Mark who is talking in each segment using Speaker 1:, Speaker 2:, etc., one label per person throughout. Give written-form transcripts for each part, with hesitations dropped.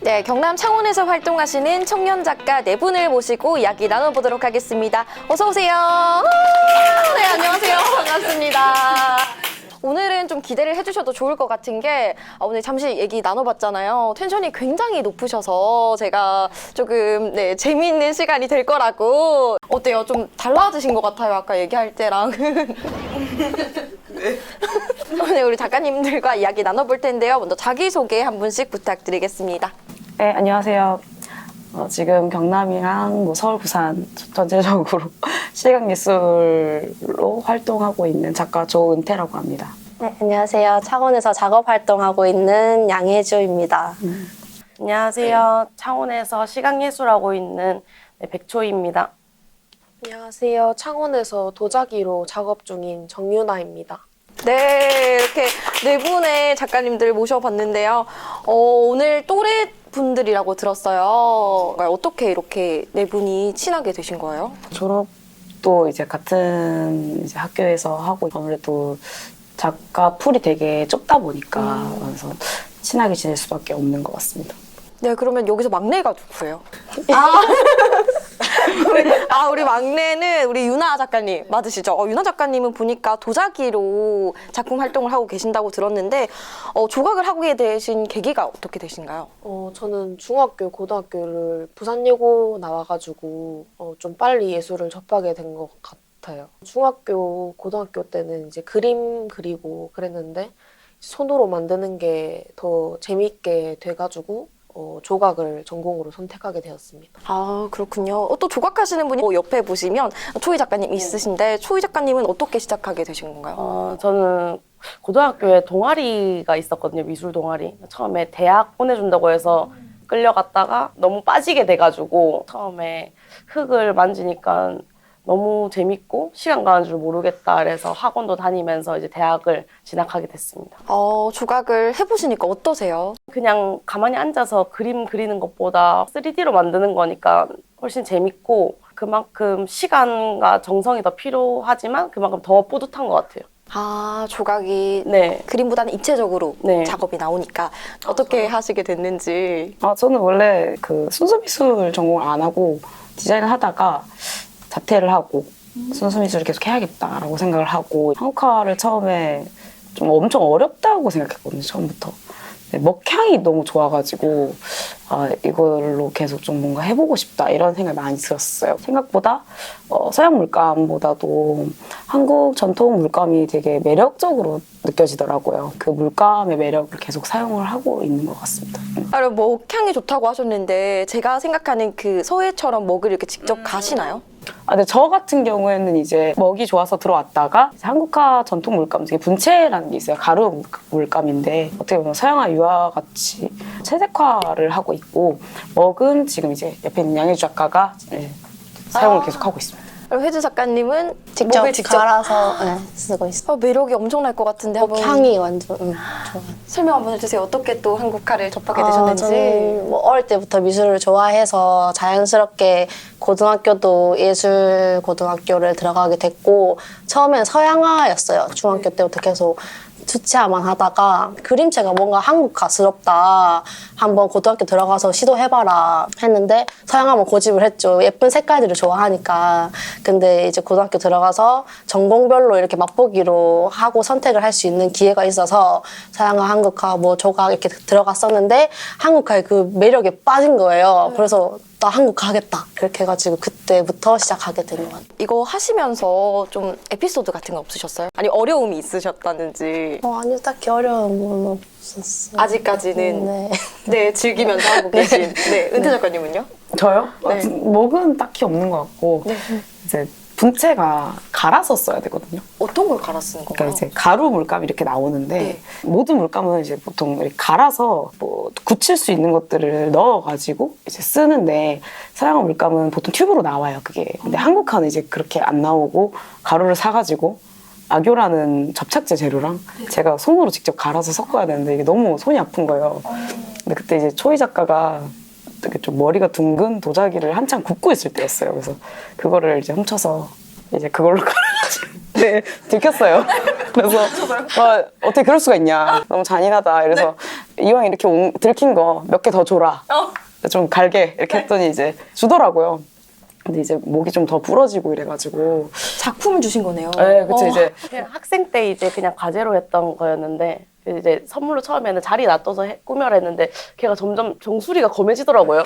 Speaker 1: 네, 경남 창원에서 활동하시는 청년 작가 네 분을 모시고 이야기 나눠보도록 하겠습니다. 어서 오세요. 네, 안녕하세요. 반갑습니다. 오늘은 좀 기대를 해주셔도 좋을 것 같은 게 오늘 잠시 얘기 나눠봤잖아요. 텐션이 굉장히 높으셔서 제가 조금 재미있는 시간이 될 거라고. 어때요? 좀 달라지신 것 같아요. 아까 얘기할 때랑은. 네. 오늘 우리 작가님들과 이야기 나눠볼 텐데요. 먼저 자기소개 한 분씩 부탁드리겠습니다.
Speaker 2: 네, 안녕하세요. 지금 경남이랑 서울, 부산 전체적으로 시각예술로 활동하고 있는 작가 조은태라고 합니다.
Speaker 3: 네, 안녕하세요. 창원에서 작업 활동하고 있는 양혜주입니다.
Speaker 4: 안녕하세요. 창원에서 시각예술하고 있는 백초희입니다.
Speaker 5: 안녕하세요. 창원에서 도자기로 작업 중인 정유나입니다.
Speaker 1: 네, 이렇게 네 분의 작가님들 모셔봤는데요. 오늘 또래 분들이라고 들었어요. 어떻게 이렇게 네 분이 친하게 되신 거예요?
Speaker 2: 졸업도 이제 같은 학교에서 하고 아무래도 작가 풀이 되게 좁다 보니까 그래서 친하게 지낼 수밖에 없는 것 같습니다.
Speaker 1: 네, 그러면 여기서 막내가 누구예요? 우리 막내는 우리 유나 작가님 맞으시죠? 유나 작가님은 보니까 도자기로 작품 활동을 하고 계신다고 들었는데 조각을 하게 되신 계기가 어떻게 되신가요?
Speaker 5: 저는 중학교, 고등학교를 부산예고 나와가지고 좀 빨리 예술을 접하게 된 것 같아요. 중학교, 고등학교 때는 이제 그림 그리고 그랬는데 손으로 만드는 게 더 재미있게 돼가지고 조각을 전공으로 선택하게 되었습니다.
Speaker 1: 아, 그렇군요. 또 조각하시는 분이 옆에 보시면 초희 작가님 있으신데 초희 작가님은 어떻게 시작하게 되신 건가요?
Speaker 4: 저는 고등학교에 동아리가 있었거든요. 미술 동아리. 처음에 대학 보내준다고 해서 끌려갔다가 너무 빠지게 돼가지고 처음에 흙을 만지니까 너무 재밌고 시간 가는 줄 모르겠다 그래서 학원도 다니면서 이제 대학을 진학하게 됐습니다.
Speaker 1: 조각을 해보시니까 어떠세요?
Speaker 4: 그냥 가만히 앉아서 그림 그리는 것보다 3D로 만드는 거니까 훨씬 재밌고 그만큼 시간과 정성이 더 필요하지만 그만큼 더 뿌듯한 것 같아요.
Speaker 1: 조각이 그림보다는 입체적으로 작업이 나오니까 어떻게 하시게 됐는지.
Speaker 2: 저는 원래 그 순수미술 전공을 안 하고 디자인을 하다가 자퇴를 하고 순수미술을 계속 해야겠다라고 생각을 하고 한국화를 처음에 좀 엄청 어렵다고 생각했거든요. 처음부터. 먹향이 너무 좋아가지고 이걸로 계속 좀 뭔가 해보고 싶다 이런 생각이 많이 들었어요. 생각보다 서양 물감보다도 한국 전통 물감이 되게 매력적으로 느껴지더라고요. 그 물감의 매력을 계속 사용을 하고 있는 것 같습니다.
Speaker 1: 먹향이 좋다고 하셨는데 제가 생각하는 그 서해처럼 먹을 이렇게 직접 가시나요?
Speaker 2: 근데 저 같은 경우에는 이제 먹이 좋아서 들어왔다가 한국화 전통 물감 중에 분채라는 게 있어요. 가루 물감인데 어떻게 보면 서양화 유화 같이 채색화를 하고 있고 먹은 지금 이제 옆에 있는 양혜주 작가가 사용을 계속 하고 있습니다.
Speaker 1: 그럼 혜주 작가님은
Speaker 3: 직접
Speaker 1: 목을
Speaker 3: 갈아서 쓰고 있어요.
Speaker 1: 매력이 엄청날 것 같은데 한번
Speaker 3: 향이 완전 좋아요.
Speaker 1: 설명 한번 해주세요. 어떻게 또 한국화를 접하게 되셨는지.
Speaker 3: 저는 어릴 때부터 미술을 좋아해서 자연스럽게 고등학교도 예술 고등학교를 들어가게 됐고 처음엔 서양화였어요. 중학교 때부터 계속 수채화만 하다가 그림체가 뭔가 한국화스럽다. 한번 고등학교 들어가서 시도해봐라 했는데 서양화만 고집을 했죠. 예쁜 색깔들을 좋아하니까. 근데 이제 고등학교 들어가서 전공별로 이렇게 맛보기로 하고 선택을 할 수 있는 기회가 있어서 서양화, 한국화, 조각 이렇게 들어갔었는데 한국화의 그 매력에 빠진 거예요. 그래서 나 한국화 하겠다. 그렇게 해가지고 그때부터 시작하게 된 것 같아요.
Speaker 1: 이거 하시면서 좀 에피소드 같은 거 없으셨어요? 아니 어려움이 있으셨다는지.
Speaker 3: 아니요, 딱히 어려운 건 없었어요.
Speaker 1: 아직까지는 즐기면서 하고 계신. 은태 작가님은요?
Speaker 2: 저요? 먹은 딱히 없는 것 같고 이제 분채가 갈아서 써야 되거든요.
Speaker 1: 어떤 걸 갈아 쓰는 건가요?
Speaker 2: 그러니까 이제 가루 물감이 이렇게 나오는데 모든 물감은 이제 보통 이렇게 갈아서 굳힐 수 있는 것들을 넣어가지고 이제 쓰는데 서양화 물감은 보통 튜브로 나와요. 그게. 근데 한국화는 이제 그렇게 안 나오고 가루를 사가지고 악교라는 접착제 재료랑 제가 손으로 직접 갈아서 섞어야 되는데 이게 너무 손이 아픈 거예요. 근데 그때 이제 초희 작가가 되게 좀 머리가 둥근 도자기를 한창 굽고 있을 때였어요. 그래서 그거를 이제 훔쳐서 이제 그걸로 갈아가지고 들켰어요. 그래서 어떻게 그럴 수가 있냐. 너무 잔인하다. 그래서 이왕 이렇게 들킨 거 몇 개 더 줘라. 좀 갈게 이렇게 했더니 이제 주더라고요. 근데 이제 목이 좀 더 부러지고 이래가지고.
Speaker 1: 작품을 주신 거네요.
Speaker 2: 네, 그쵸 이제
Speaker 4: 그냥 학생 때 이제 그냥 과제로 했던 거였는데 이제 선물로 처음에는 자리 놔둬서 꾸며라 했는데 걔가 점점 정수리가 검해지더라고요.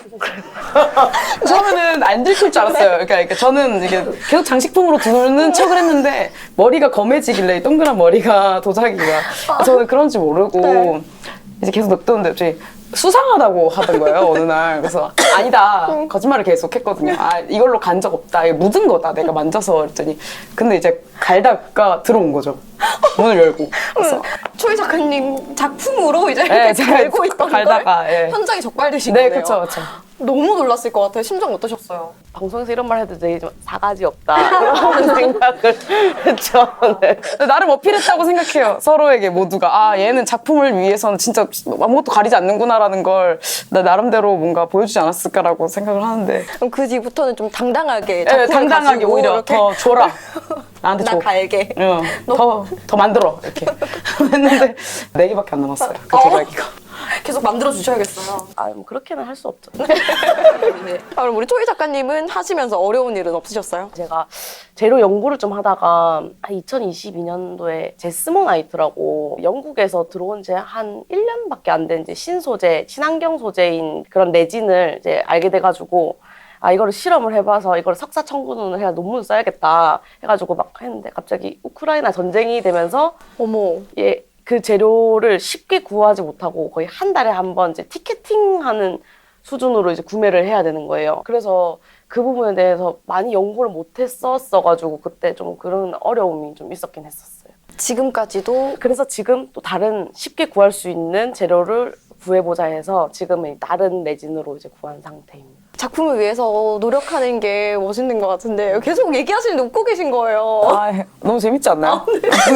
Speaker 2: 처음에는 안 들킬 줄 알았어요. 그러니까 저는 이게 계속 장식품으로 두는 척을 했는데 머리가 검해지길래 이 동그란 머리가 도자기가 저는 그런지 모르고
Speaker 1: 네.
Speaker 2: 이제 계속 냅뒀는데 갑자기 수상하다고 하던 거예요 어느 날. 그래서 아니다 거짓말을 계속 했거든요. 아 이걸로 간 적 없다. 이거 묻은 거다 내가 만져서 그랬더니 근데 이제 갈다가 들어온 거죠. 문을 열고. 그래서
Speaker 1: 초희 작가님 작품으로 이제
Speaker 2: 네,
Speaker 1: 이렇게
Speaker 2: 제가
Speaker 1: 갈고 있던
Speaker 2: 갈다가,
Speaker 1: 걸
Speaker 2: 예.
Speaker 1: 현장에 적발되신
Speaker 2: 네
Speaker 1: 거네요.
Speaker 2: 그쵸 그쵸.
Speaker 1: 너무 놀랐을 것 같아요. 심정 어떠셨어요?
Speaker 4: 방송에서 이런 말 해도 되게 좀 사가지 없다 그런 생각을 했죠. 네.
Speaker 2: 근데 나름 어필했다고 생각해요. 서로에게 모두가 아 얘는 작품을 위해서는 진짜 아무것도 가리지 않는구나라는 걸 나 나름대로 뭔가 보여주지 않았을까라고 생각을 하는데
Speaker 1: 그럼 그 뒤부터는 좀 당당하게
Speaker 2: 네,
Speaker 1: 작품을
Speaker 2: 당당하게
Speaker 1: 가지고
Speaker 2: 오히려
Speaker 1: 이렇게
Speaker 2: 더 줘라. 나한테
Speaker 1: 나
Speaker 2: 줘.
Speaker 1: 갈게.
Speaker 2: 응, 더 만들어 이렇게 했는데 4개밖에 안 남았어요. 그 도자기가.
Speaker 1: 계속 만들어 주셔야겠어요.
Speaker 4: 아, 뭐 그렇게는 할 수 없죠.
Speaker 1: 아, 그럼 우리 초희 작가님은 하시면서 어려운 일은 없으셨어요?
Speaker 4: 제가 재료 연구를 좀 하다가 2022년도에 제스모나이트라고 영국에서 들어온 지 한 1년밖에 안 된 이제 신소재, 친환경 소재인 그런 레진을 이제 알게 돼가지고 아 이거를 실험을 해봐서 이걸 석사 청구를 해야 논문을 써야겠다 해가지고 막 했는데 갑자기 우크라이나 전쟁이 되면서
Speaker 1: 어머.
Speaker 4: 예, 그 재료를 쉽게 구하지 못하고 거의 한 달에 한 번 이제 티켓팅하는 수준으로 이제 구매를 해야 되는 거예요. 그래서 그 부분에 대해서 많이 연구를 못했었어가지고 그때 좀 그런 어려움이 좀 있었긴 했었어요.
Speaker 1: 지금까지도
Speaker 4: 그래서 지금 또 다른 쉽게 구할 수 있는 재료를 구해보자 해서 지금은 다른 레진으로 이제 구한 상태입니다.
Speaker 1: 작품을 위해서 노력하는 게 멋있는 것 같은데 계속 얘기하시는데 웃고 계신 거예요.
Speaker 2: 아, 너무 재밌지 않나요?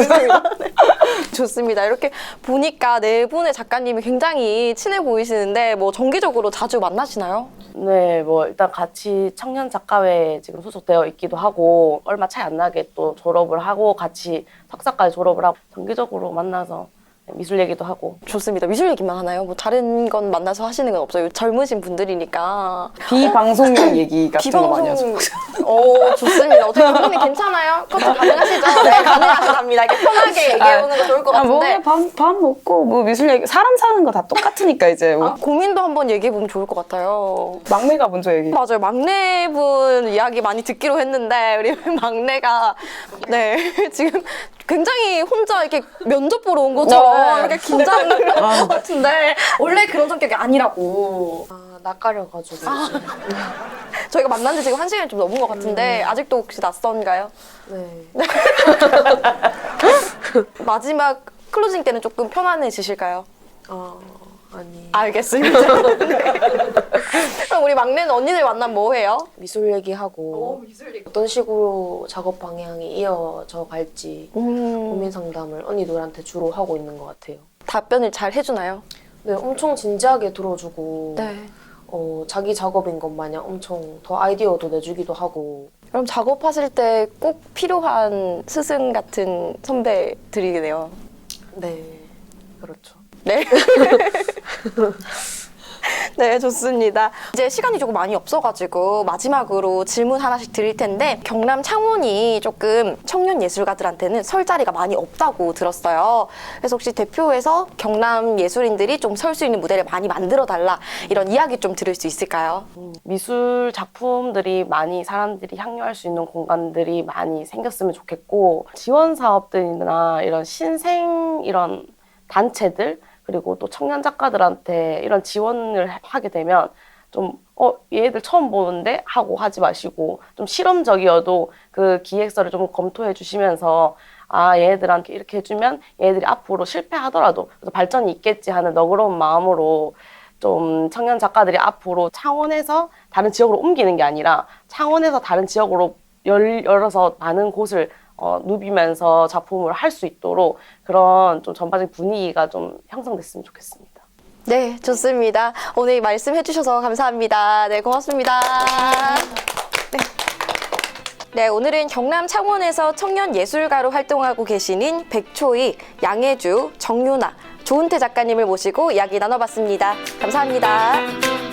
Speaker 1: 좋습니다. 이렇게 보니까 네 분의 작가님이 굉장히 친해 보이시는데 뭐 정기적으로 자주 만나시나요?
Speaker 4: 네, 뭐 일단 같이 청년 작가회에 지금 소속되어 있기도 하고 얼마 차이 안 나게 또 졸업을 하고 같이 석사까지 졸업을 하고 정기적으로 만나서 미술 얘기도 하고.
Speaker 1: 좋습니다. 미술 얘기만 하나요? 뭐 다른 건 만나서 하시는 건 없어요? 젊으신 분들이니까.
Speaker 2: 비방송용 얘기 같은 거 많이 하죠.
Speaker 1: 좋습니다. 어떻게 감독님 괜찮아요? 커트 가능하시죠? 네, 가능하답니다. 이렇게 편하게 얘기해보는 거 좋을 것 같은데.
Speaker 2: 밥 먹고 뭐 미술 얘기 사람 사는 거 다 똑같으니까 이제 뭐.
Speaker 1: 고민도 한번 얘기해보면 좋을 것 같아요.
Speaker 2: 막내가 먼저 얘기.
Speaker 1: 맞아요. 막내분 이야기 많이 듣기로 했는데 우리 막내가 네 지금 굉장히 혼자 이렇게 면접 보러 온 것처럼 이렇게 긴장을 한 것 같은데 원래 그런 성격이 아니라고.
Speaker 5: 아, 낯가려가지고.
Speaker 1: 저희가 만난 지 지금 1시간이 좀 넘은 것 같은데 아직도 혹시 낯선가요?
Speaker 5: 네.
Speaker 1: 마지막 클로징 때는 조금 편안해지실까요?
Speaker 5: 아니.
Speaker 1: 알겠습니다. 그럼 우리 막내는 언니들 만나면 뭐 해요?
Speaker 5: 미술 얘기하고 어떤 식으로 작업 방향이 이어져 갈지 고민 상담을 언니들한테 주로 하고 있는 것 같아요.
Speaker 1: 답변을 잘 해주나요?
Speaker 5: 네, 엄청 진지하게 들어주고
Speaker 1: 네.
Speaker 5: 자기 작업인 것 마냥 엄청 더 아이디어도 내주기도 하고.
Speaker 1: 그럼 작업하실 때 꼭 필요한 스승 같은 선배들이네요.
Speaker 5: 네, 그렇죠.
Speaker 1: 네. 네, 좋습니다. 이제 시간이 조금 많이 없어가지고 마지막으로 질문 하나씩 드릴 텐데 경남 창원이 조금 청년 예술가들한테는 설 자리가 많이 없다고 들었어요. 그래서 혹시 대표에서 경남 예술인들이 좀 설 수 있는 무대를 많이 만들어달라 이런 이야기 좀 들을 수 있을까요?
Speaker 4: 미술 작품들이 많이 사람들이 향유할 수 있는 공간들이 많이 생겼으면 좋겠고 지원 사업들이나 이런 신생 이런 단체들 그리고 또 청년 작가들한테 이런 지원을 하게 되면 좀 얘들 처음 보는데 하고 하지 마시고 좀 실험적이어도 그 기획서를 좀 검토해 주시면서 아 얘들한테 이렇게 해주면 얘들이 앞으로 실패하더라도 발전이 있겠지 하는 너그러운 마음으로 좀 청년 작가들이 앞으로 창원에서 다른 지역으로 옮기는 게 아니라 창원에서 다른 지역으로 열어서 많은 곳을 누비면서 작품을 할 수 있도록 그런 좀 전반적인 분위기가 좀 형성됐으면 좋겠습니다.
Speaker 1: 네, 좋습니다. 오늘 말씀해 주셔서 감사합니다. 네, 고맙습니다. 네, 오늘은 경남 창원에서 청년 예술가로 활동하고 계시는 백초희, 양혜주, 정유나, 조은태 작가님을 모시고 이야기 나눠봤습니다. 감사합니다.